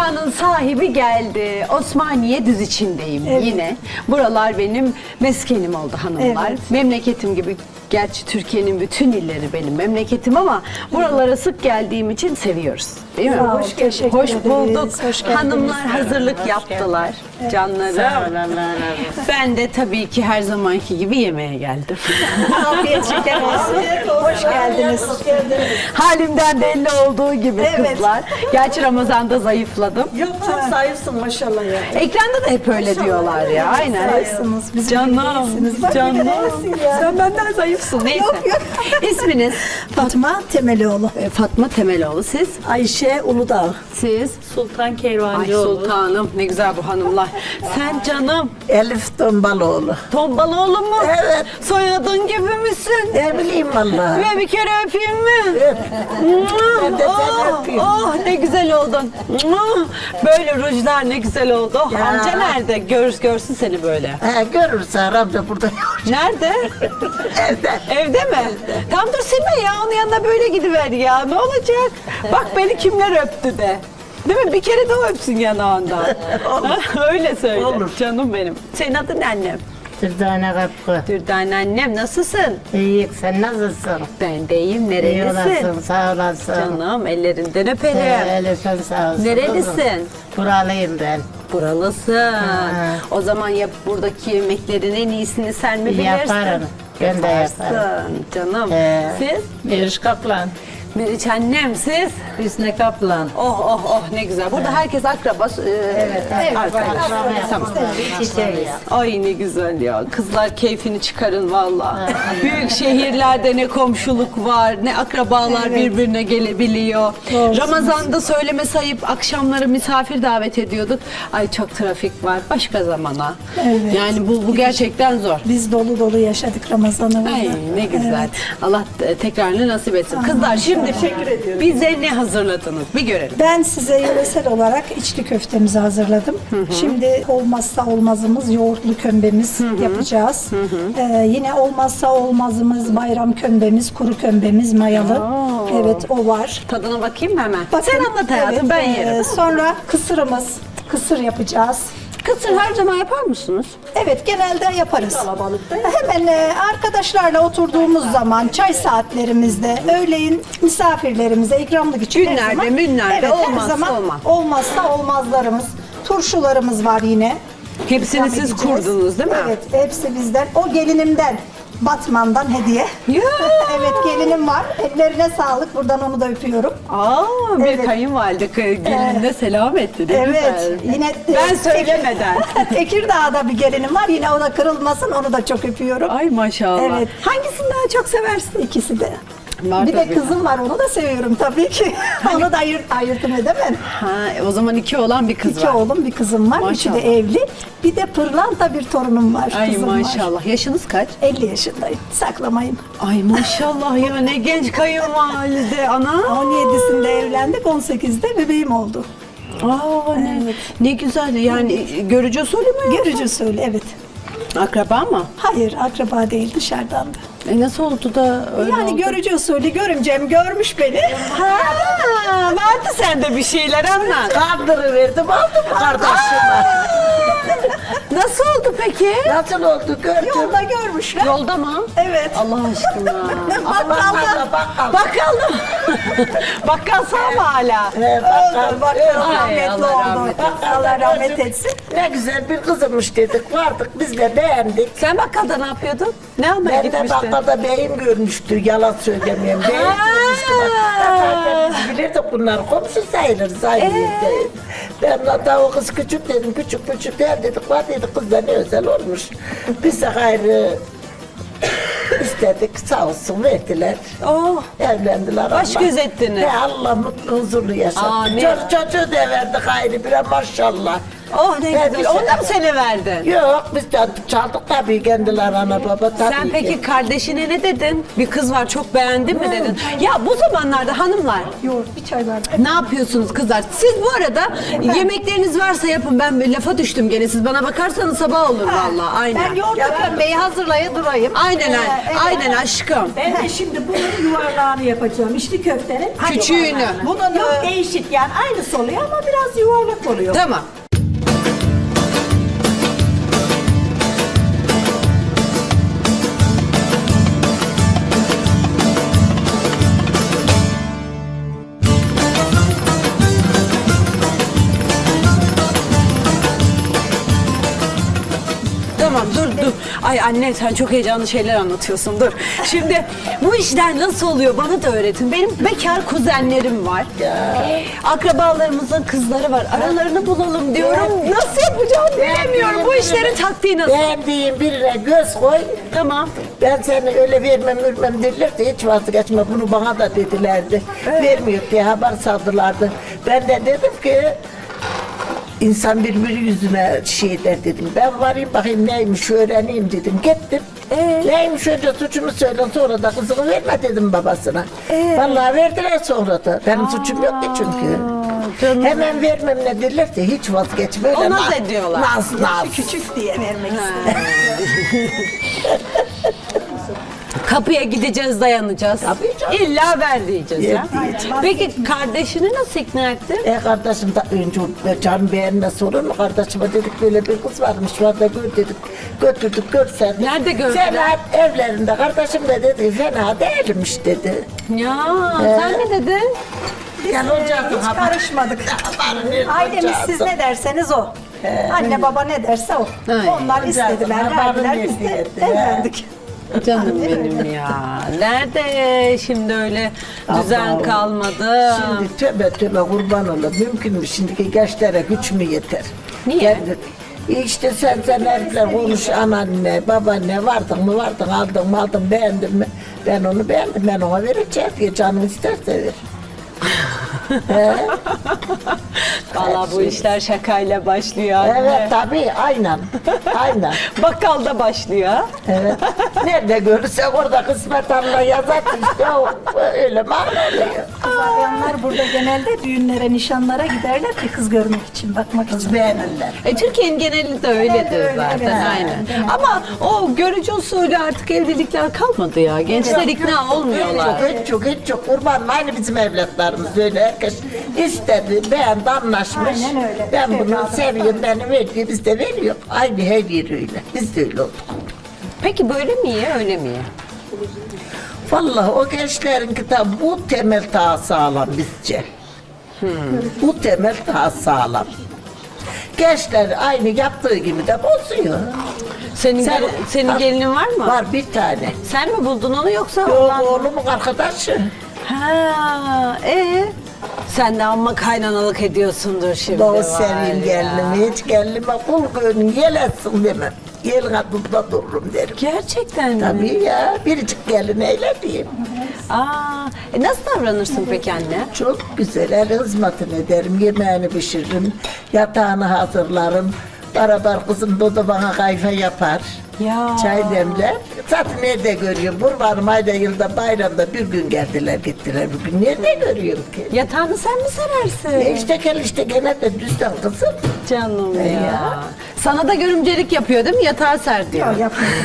Mekanın sahibi geldi. Osmaniye Düz içindeyim yine. Buralar benim meskenim oldu hanımlar. Evet. Memleketim gibi. Gerçi Türkiye'nin bütün illeri benim memleketim ama buralara sık geldiğim için seviyoruz. Değil mi? Sağ ol, teşekkür Hoş ederiz. bulduk. Hoş geldiniz. Hanımlar hazırlık yaptılar. Canlarım. Ben de tabii ki her zamanki gibi yemeğe geldim. Afiyet şeker olsun. Hoş geldiniz. Halimden belli olduğu gibi kızlar. Gerçi Ramazan'da zayıfladım. Yok çok zayıfsın maşallah ya. Ekranda da hep öyle diyorlar ya. Aynen. Zayıfsınız. Bizim Canım, gibisiniz. Bak, canım. bir de neresin ya? Sen benden zayıfsın. Neyse. İsminiz? Fatma Temelioğlu. Fatma Temeloğlu. Siz? Ayşe Uludağ. Siz? Sultan Ay Kervancıoğlu. sultanım. Ne güzel bu hanımlar. Sen canım. Elif Tombaloğlu. Tombaloğlu mu? Evet. Soyadın gibi misin? Ne bileyim vallahi. Ve bir kere öpeyim mi? Ben de seni öpeyim. Oh ne güzel oldun. Böyle rujlar ne güzel oldu. Oh, Ya. amca nerede? Görsün seni böyle. He, görürse amca burada yok. Nerede? Evde. Evde mi? Tam dur silme ya. Onun yanına böyle gidiver ya. Ne olacak? Bak beni kimler öptü de. Değil mi? Bir kere de o öpsün yanağından. Öyle söyle. Olur. Canım benim. Senin adın ne annem? Dürdane kapı. Dürdane annem nasılsın? İyi, sen nasılsın? Ben de iyiyim. İyi Nerelisin? olasın, sağ olasın. Canım ellerinden öperim. Elif'in sağ olsun. Nerelisin? Buralıyım ben. Buralısın. O zaman ya buradaki yemeklerin en iyisini sen mi bilirsin? Yaparım. Ben de yaparım. Yaparsın canım. Siz? Meriç Kaplan. Meriç annem siz? Hüsnü Kaplan. Oh oh oh ne güzel. Burada herkes akraba. Arkadaş. Tamam. Çiçeğiz. Ay ne güzel ya. Kızlar keyfini çıkarın valla. Büyük şehirlerde ne komşuluk var, ne akrabalar birbirine gelebiliyor. Ramazan'da söyleme sayıp akşamları misafir davet ediyorduk. Ay çok trafik var. Başka zamana. Evet. Yani bu gerçekten zor. Biz dolu dolu yaşadık Ramazan'ı. Ay ne güzel. Evet. Allah tekrarını nasip etsin. Kızlar şimdi bize ne hazırladınız? Bir görelim. Ben size yöresel olarak içli köftemizi hazırladım. Şimdi olmazsa olmazımız yoğurtlu kömbemiz yapacağız. Yine olmazsa olmazımız bayram kömbemiz, kuru kömbemiz mayalı. Evet o var. Tadına bakayım mı hemen? Bakın, Sen anlat hayatım evet, ben yerim. Sonra kısır yapacağız. Kısır her zaman yapar mısınız? Evet genelde yaparız. Hemen arkadaşlarla oturduğumuz zaman çay saatlerimizde öğleyin misafirlerimize ikramlık için her Günlerde, zaman, münlerde her olmazsa zaman olmaz. olmazsa olmazlarımız. Turşularımız var yine. Hepsini İkram siz edeceğiz. kurdunuz değil mi? Evet hepsi bizden. O gelinimden. Batman'dan hediye. Ya! Evet gelinim var. Ellerine sağlık. Buradan onu da öpüyorum. Aa, bir Evet. kayınvalide gelinine selam etti. Ne Evet. güzel. Yine Ben söylemeden. Tekirdağ'da bir gelinim var. Yine o da kırılmasın. Onu da çok öpüyorum. Ay maşallah. Evet. Hangisini daha çok seversin? İkisi de. Var Bir de tabii. kızım var. Onu da seviyorum tabii ki. Onu da ayırtım edemem. Ha, o zaman iki olan bir kız İki var. oğlum bir kızım var. Üçü Maşallah. de evli. Bir de pırlanta bir torunum var. Ay kızım var. maşallah. Yaşınız kaç? 50 yaşındayım. Saklamayın. Ay maşallah ya ne genç kayınvalide ana. 17'sinde evlendik. 18'de bebeğim oldu. Aa, ne güzel yani görücü usulü mü? Görücü usulü evet. Akraba mı? Hayır akraba değil dışarıdan da. Nasıl oldu da öyle Yani oldu? görücü usulü görümcem görmüş beni. Ha, vardı sende bir şeyler anlat. Kandırıverdim aldım kardeşime. Nasıl oldu peki? Nasıl oldu gördün? Yolda görmüşler. Yolda mı? Evet. Allah aşkına. Bakkalda. Bakkal mı? Bakkal sağ mı hala? Öldü. Bakkal Ay, rahmetli Allah oldu. rahmet etsin. Allah rahmet etsin. Ne güzel bir kızımmış dedik. Vardık biz de beğendik. Sen bakkalda ne yapıyordun? Ne almaya Ben de gitmiştin? bakkalda beyim görmüştü. Yalan söylemeyeyim. Beyim görmüştü. Zaten biz bilirdik bunlar. Komşu sayılırız. Aynı yerdeyiz. Ben hatta o kız küçük dedim. Küçük der dedik. Var dedik kız da ne özel olmuş. Biz de gayrı istedik. Sağ olsun verdiler. Oh. Evlendiler. Baş Allah. göz ettiniz. He, Allah mutlu huzurlu yaşattı. Amin. Çocuğu da verdi gayrı bire maşallah. Oh ne Ben güzel. bir Onu da şey- mı seni verdin? Yok biz çaldık tabii kendiler ana baba tabii Sen ki. peki kardeşine ne dedin? Bir kız var çok beğendin mi dedin? Ya bu zamanlarda hanımlar Yoğurt bir çay bardağı. ne yapıyorsunuz kızlar? Siz bu arada yemekleriniz varsa yapın. Ben bir lafa düştüm gene. Siz bana bakarsanız sabah olur vallahi. Aynen. Ben yoğurt kömbeyi hazırlaya durayım. Aynen Evet. aynen aşkım. Ben de şimdi bunun yuvarlağını yapacağım. İçli köftenin. Küçüğünü. Bunun yok değişik yani aynısı oluyor ama biraz yuvarlak oluyor. Tamam. Tamam dur. Ay anne sen çok heyecanlı şeyler anlatıyorsun dur. Şimdi bu işler nasıl oluyor bana da öğretin. Benim bekar kuzenlerim var. Akrabalarımızın kızları var. Aralarını bulalım diyorum. Nasıl yapacağım bilemiyorum. Bu işlerin taktiği nasıl? Beğendiğin birine göz koy. Tamam. Ben seni öyle vermem dediler de hiç vazgeçme. Bunu bana da dedilerdi. Vermiyor diye haber saldılardı. Ben de dedim ki İnsan birbiri yüzüne şey der dedim. Ben varayım bakayım neymiş öğreneyim dedim. Gittim. Neymiş önce suçumu söyle sonra da kızını verme dedim babasına. Vallahi verdiler sonra da. Benim suçum yoktu çünkü. canım. Hemen vermem ne dediler de hiç vazgeçme. Öyle O naz ediyorlar. Naz. Küçük diye vermek istedim. Kapıya gideceğiz dayanacağız. Tabii canım. İlla ver diyeceğiz ya. Diyeceğiz. Peki kardeşini nasıl ikna ettin? Kardeşim da önce canım beğenmez olur mu? Kardeşime dedik böyle bir kız varmış var da gör dedik. Götürdük görsen. Nerede gördüler? Fena evlerinde. Kardeşim de dedi fena değilmiş dedi. Ya sen ne dedin? Gel olacaktın Hiç karışmadık. Ailemiz siz ne derseniz o. Anne baba ne derse o. Ay. Onlar istediler, Haberin verdiler biz de verdiği evlendik. Canım benim ya. Nerede şimdi öyle düzen Allah'ım. kalmadı? Şimdi tövbe kurban olur. Mümkün mü? Şimdiki gençlere güç mü yeter? Niye? İşte sen herifler konuş anneanne, babaanne vardın mı aldın beğendin mi? Ben onu beğendim ben ona vereceğim diye canım isterse ver. Valla bu işler şakayla başlıyor anne. Evet tabii aynen. Bakkalda başlıyor. ha? Evet. Nerede görürsek orada kısmet Allah yazar işte o öyle mal oluyor. Bayanlar burada genelde düğünlere, nişanlara giderler ki kız görmek için, bakmak için. Kız beğenirler. Türkiye'nin geneli de öyledir öyle, zaten evet. aynen. Ama o görücü usulü artık evlilikler kalmadı ya. Gençler ikna olmuyorlar. Hiç çok kurban aynı bizim evlatlarımız öyle herkes istedi beğendi anlaşmış. Aynen öyle. Ben bunu Evladım. seviyorum beni veriyor biz de veriyor. Aynı her yer öyle. Biz de öyle olduk. Peki böyle mi iyi öyle mi iyi? Vallahi o gençlerin kitabı bu temel daha sağlam bizce. Bu temel daha sağlam. Gençler aynı yaptığı gibi de bozuyor. Senin gelinin var mı? Var bir tane. Sen mi buldun onu yoksa Yok olan? oğlumun arkadaşı. Ha, sen de amma kaynanalık ediyorsundur şimdi. Doğu var seveyim ya. gelinimi, hiç gelinime kul gönlüm yeletsin demem. Gelin adımda dururum derim. Gerçekten mi? Tabii ya, biricik gelin eyle diyeyim. Nasıl davranırsın peki anne? Çok güzel, el hizmetini ederim, yemeğini pişiririm, yatağını hazırlarım. Beraber kızım da bana kayfa yapar. Ya. Çay demler. Zaten nerede görüyorum? Kurbanım ayda yılda bayramda bir gün geldiler gittiler bugün. Nerede görüyorum ki? Yatağını sen mi serersin? İşte gel işte gene de düzden kızım. Canım ya. Ya. Sana da görümcelik yapıyor değil mi? Yatağı ser diyor.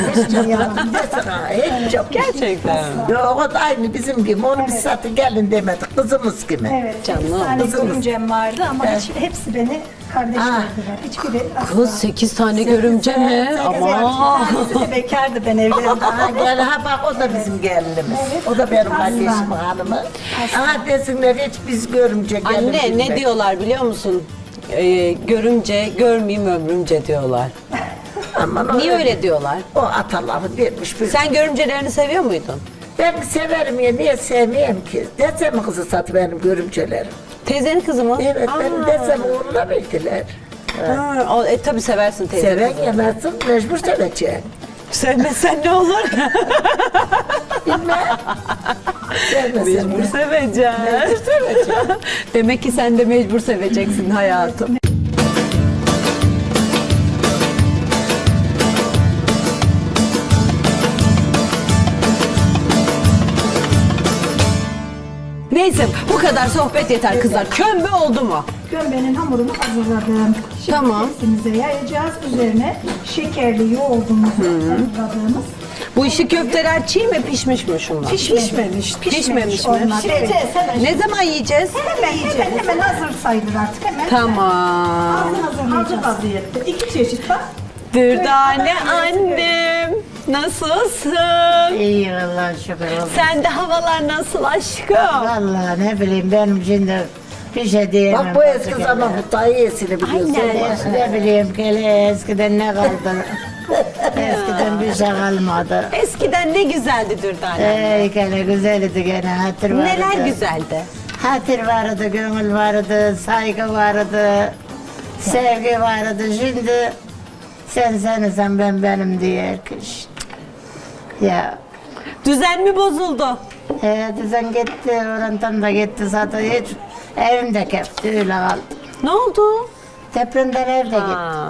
Desene hiç çok. Gerçekten. Yok o da aynı bizim gibi. Onu biz zaten gelin demedik. Kızımız gibi. Evet, Canım. 8 tane Kızımız. görümcem vardı ama hepsi beni kardeş Ah. gördüler. Hiçbiri asla. Kız 8 tane görümce mi? Ama. Tanesi de bekardı ben evlendim. Ha, gel ha bak o da bizim gelinimiz. O da benim kardeşim hanımı. Ama desinler hiç biz görümce gelin. Anne ne bilmek. diyorlar biliyor musun? Görümce, görmeyeyim ömrümce diyorlar. Aman Niye öyle diyorlar? O ataları vermiş. Sen görümcelerini seviyor muydun? Ben severim ya niye sevmeyeyim ki? Desem kızı satı benim görümcelerim. Teyzenin kızı mı? Evet benim desem uğruna verdiler. Tabii seversin teyze Seven kızı. yemezsin mecbur seveceksin. Sevmesen ne olur? Bilmem. Sevmesen Mecbur seveceksin. Mecbur seveceksin. Demek ki sen de mecbur seveceksin hayatım. Neyse bu kadar sohbet yeter kızlar. Kömbe oldu mu? Kömbenin hamurunu hazırladım. Şimdi Tamam. tepsimize yayacağız. Üzerine şekerli yoğurdumuzu hazırladığımız. Bu işi köfteler çiğ mi pişmiş mi şunlar? Pişmemiş. Pişmemiş mi? Onlar. Evet. Ne zaman yiyeceğiz? Hemen hazır sayılır artık hemen. Tamam. Hazır vaziyette. 2 çeşit var. Dürdane annem. Nasılsın? İyi vallahi şükür olsun. Sen de havalar nasıl aşkım? Vallahi ne bileyim benim şimdi bir şey diyemem. Bak bu eski zaman bu daha iyisini biliyorsun. Ne bileyim gele eskiden ne kaldı? Eskiden bir şey kalmadı. Eskiden ne güzeldi Dürdane. Gene güzeldi gene hatır vardı. Neler güzeldi? Hatır vardı, gönül vardı, saygı vardı, sevgi vardı. Şimdi sen sensen ben benim diye herkes. Ya Düzen mi bozuldu? düzen gitti, orantan da gitti zaten hiç evimde kepti öyle kaldı. Ne oldu? Depremden evde gitti. Aa.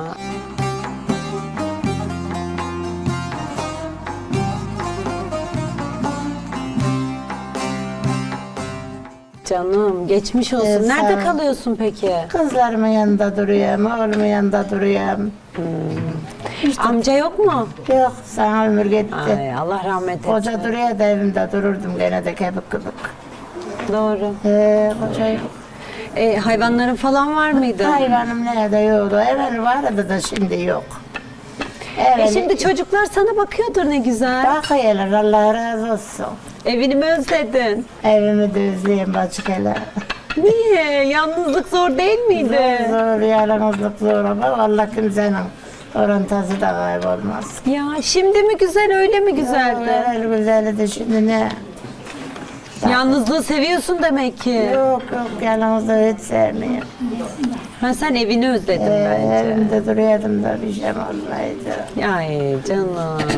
Canım geçmiş olsun. Sağ Nerede ol. kalıyorsun peki? Kızlarımın yanında duruyorum, oğlumun yanında duruyorum. Amca yok mu? Yok, sana ömür gitti. Ay Allah rahmet etsin. Koca duruyor da evimde dururdum gene de kebik kıbık. Doğru. Koca yok. Hayvanların falan var mıydı? Hayvanım nerede yoktu. Evvel vardı da şimdi yok. Evet. Şimdi çocuklar sana bakıyordur ne güzel. Bakıyorlar Allah razı olsun. Evini mi özledin? Evimi de özleyeyim bacık hele. Niye? Yalnızlık zor değil miydi? Zor, yalnızlık zor ama vallahi kimsenin orantası da kaybolmaz. Ya şimdi mi güzel öyle mi güzeldi? Evvel güzeldi şimdi ne? Yalnızlığı seviyorsun demek ki. Yok yok yalnızlığı hiç sevmiyorum. Ha, sen evini özledin bence. Evimde duruyordum da bir şey olmaydı. Ay canım.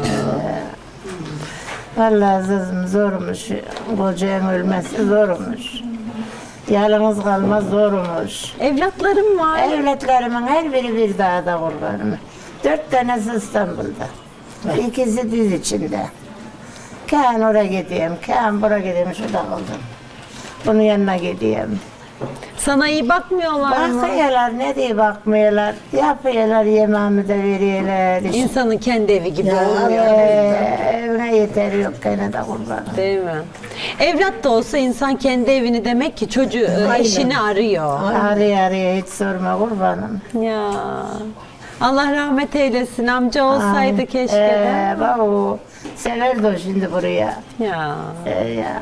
Vallahi kızım zormuş. Kocanın ölmesi zormuş. Yalnız kalma zormuş. Evlatlarım var. Evlatlerimin her biri bir dağda kurbanım. 4 tanesi İstanbul'da. İkisi düz içinde. Kaan oraya gideyim, Kaan buraya gideyim, şurada kaldım. Bunun yanına gideyim. Sana iyi bakmıyorlar mı? Bakıyorlar, ne diye bakmıyorlar. Yapıyorlar, yemeğimi de veriyorlar. İnsanın kendi evi gibi olmuyor. Evine yeter yok gene de kurbanım. Değil mi? Evlat da olsa insan kendi evini demek ki çocuğu, eşini arıyor. Arıyor hiç sorma kurbanım. Ya. Allah rahmet eylesin. Amca olsaydı keşke de. Bak o severdi o şimdi buraya. Ya. Ya.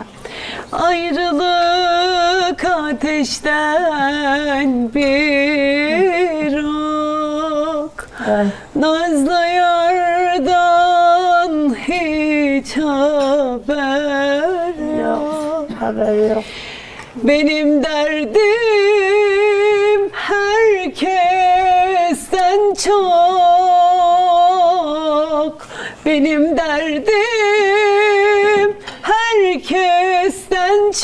Ayrılık ateşten bir ok. Ay. Nazlı yardan hiç haber yok. Haber yok. Benim derdim herkesten çok. Benim derdim herkesten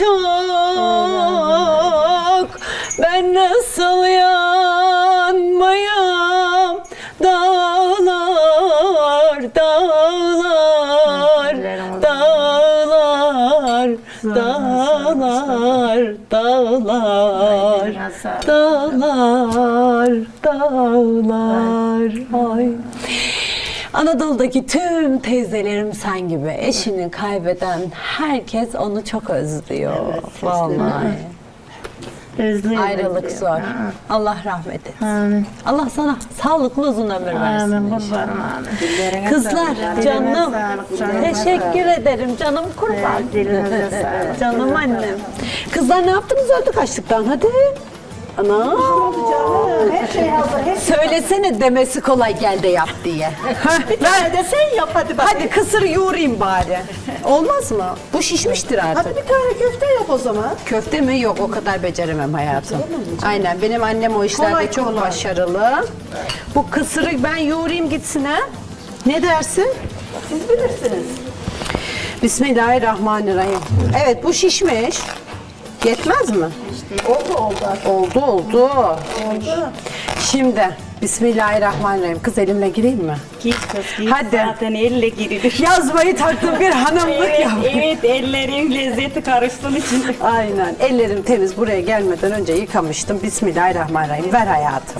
çok. Ben nasıl yanmayam dağlar, dağlar, dağlar, dağlar, dağlar, dağlar, dağlar. Ay. Anadolu'daki tüm teyzelerim sen gibi. Eşini kaybeden herkes onu çok özlüyor. Vallahi. Özlüyorum. Ayrılık zor. Allah rahmet etsin. Amin. Allah sana sağlıklı uzun ömür versin. Amin kurbanım amin. Kızlar canım sağlık, canım. teşekkür ederim canım kurban. Dilinize sağlık. Canım annem. Kızlar ne yaptınız öldük açlıktan hadi. Ana. Her şey hazır. Söylesene demesi kolay gel de yap diye. Bir tane de sen yap hadi bak. Hadi kısır yoğurayım bari. Olmaz mı? Bu şişmiştir artık. Hadi bir tane köfte yap o zaman. Köfte mi? Yok o kadar beceremem hayatım. Aynen benim annem o işlerde Kolay, çok kolay. başarılı. Bu kısırı ben yoğurayım gitsin ha. Ne dersin? Siz bilirsiniz. Bismillahirrahmanirrahim. Evet bu şişmiş. Yetmez mi? Oldu oldu. Oldu oldu. Oldu. Şimdi Bismillahirrahmanirrahim. Kız elimle gireyim mi? Git kız git. Hadi. Zaten elle girilir. Yazmayı taktım bir hanımlık Evet, yap. evet ellerin lezzeti karıştığın için. Aynen. Ellerim temiz, buraya gelmeden önce yıkamıştım. Bismillahirrahmanirrahim. Ver hayatım.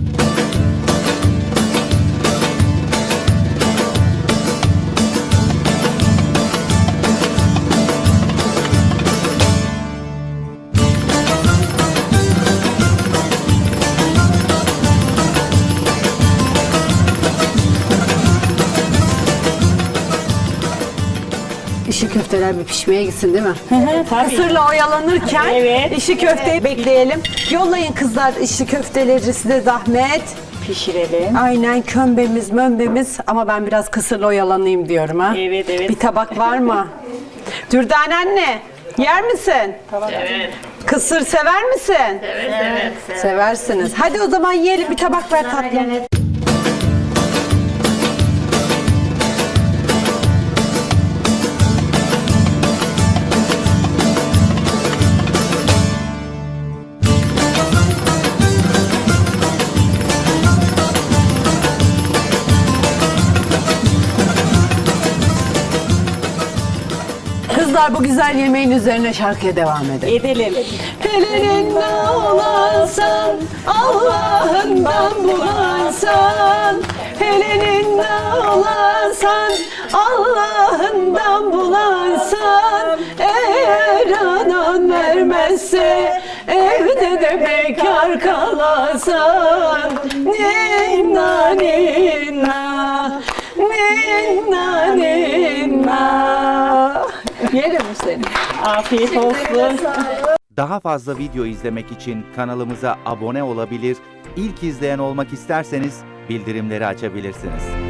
İşi köfteler bir pişmeye gitsin değil mi? Tabii. Kısırla oyalanırken Evet. işi köfteyi bekleyelim. Yollayın kızlar işi köfteleri, size zahmet. Pişirelim. Aynen, kömbemiz mömbemiz ama ben biraz kısırla oyalanayım diyorum ha. Evet, evet. Bir tabak var mı? Dürdane anne, yer misin? Evet. Kısır sever misin? Evet. Seversiniz. Hadi o zaman yiyelim, bir tabak ver tatlım. Kızlar bu güzel yemeğin üzerine şarkıya devam edelim. Edelim. Elinde olansan, Allah'ından bulansan. Elinde olansan, Allah'ından bulansan. Eğer anan vermezse, evde de bekar kalansan. Ninna ninna, ninna ninna. Yerim mi seni? Afiyet olsun. Daha fazla video izlemek için kanalımıza abone olabilir, ilk izleyen olmak isterseniz bildirimleri açabilirsiniz.